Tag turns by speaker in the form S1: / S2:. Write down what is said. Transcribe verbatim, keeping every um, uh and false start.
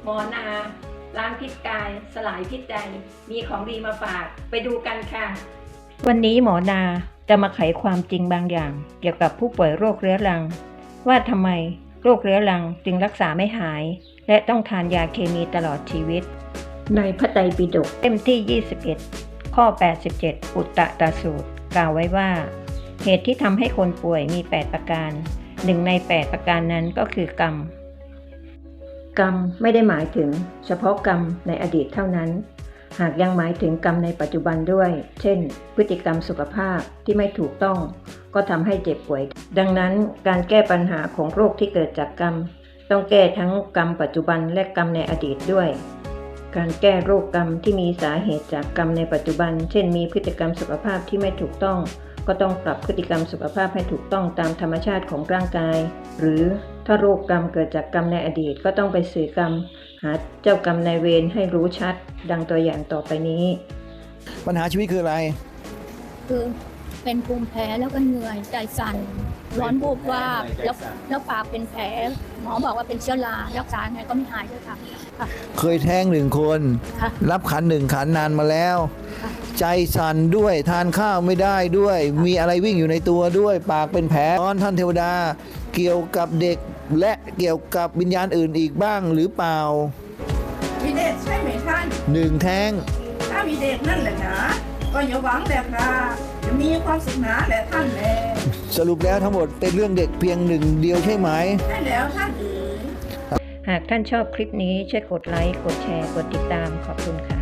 S1: หมอนาล้างพิษกายสลายพิษใจมีของดีมาฝากไปดูกันค่ะวันนี้หมอนาจะมาไขความจริงบางอย่างเกี่ยวกับผู้ป่วยโรคเรื้อรังว่าทำไมโรคเรื้อรังจึงรักษาไม่หายและต้องทานยาเคมีตลอดชีวิตในพระไตรปิฎกเล่มที่ยี่สิบเอ็ดข้อแปดสิบเจ็ดอุตตตสูตรกล่าวไว้ว่าเหตุที่ทำให้คนป่วยมีแปดประการหนึ่งในแปดประการนั้นก็คือกรรมกรรมไม่ได้หมายถึงเฉพาะกรรมในอดีตเท่านั้นหากยังหมายถึงกรรมในปัจจุบันด้วยเช่นพฤติกรรมสุขภาพที่ไม่ถูกต้องก็ทำให้เจ็บป่วยดังนั้นการแก้ปัญหาของโรคที่เกิดจากกรรมต้องแก้ทั้งกรรมปัจจุบันและกรรมในอดีตด้วยการแก้โรคกรรมที่มีสาเหตุจากกรรมในปัจจุบันเช่นมีพฤติกรรมสุขภาพที่ไม่ถูกต้องก็ต้องปรับพฤติกรรมสุขภาพให้ถูกต้องตามธรรมชาติของร่างกายหรือถ้าโรคกรรมเกิดจากกรรมในอดีตก็ต้องไปสื่อกรรมหาเจ้ากรรมนายเวรให้รู้ชัดดังตัวอย่างต่อไปนี้
S2: ปัญหาชีวิตคืออะไร
S3: คือเป็นภูมิแพ้แล้วก็เหนื่อยใจสั่นร้อนวูบวาบแล้วแล้วปากเป็นแผลหมอบอกว่าเป็นเชื้อรารักษาไงก็ไม่หายด้วยค่ะค่ะ
S2: เคยแท้งหนึ่งคน
S3: ค่ะ
S2: รับขันหนึ่งขันนานมาแล้ว
S3: ค่ะ
S2: ใจสั่นด้วยทานข้าวไม่ได้ด้วย มีอะไรวิ่งอยู่ในตัวด้วย ปากเป็นแผลตอนท่านเทวดาเกี่ยวกับเด็กและเกี่ยวกับวิญญาณอื่นอีกบ้างหรือเปล่า
S4: มีเด็กใช่ไหมท่าน
S2: หนึ่งแท้ง
S4: ถ้ามีเด็กนั่นแหละนะก็อย่าหวังแหละค่ะจะมีความสุขหนาแหละท่านแล
S2: สรุปแล้วทั้งหมดเป็นเรื่องเด็กเพียงหนึ่งเดียวใช่ไหม
S4: ใช่แล้วท่านเอ๋ย
S1: หากท่านชอบคลิปนี้ช่วยกดไลค์กดแชร์กดติดตามขอบคุณค่ะ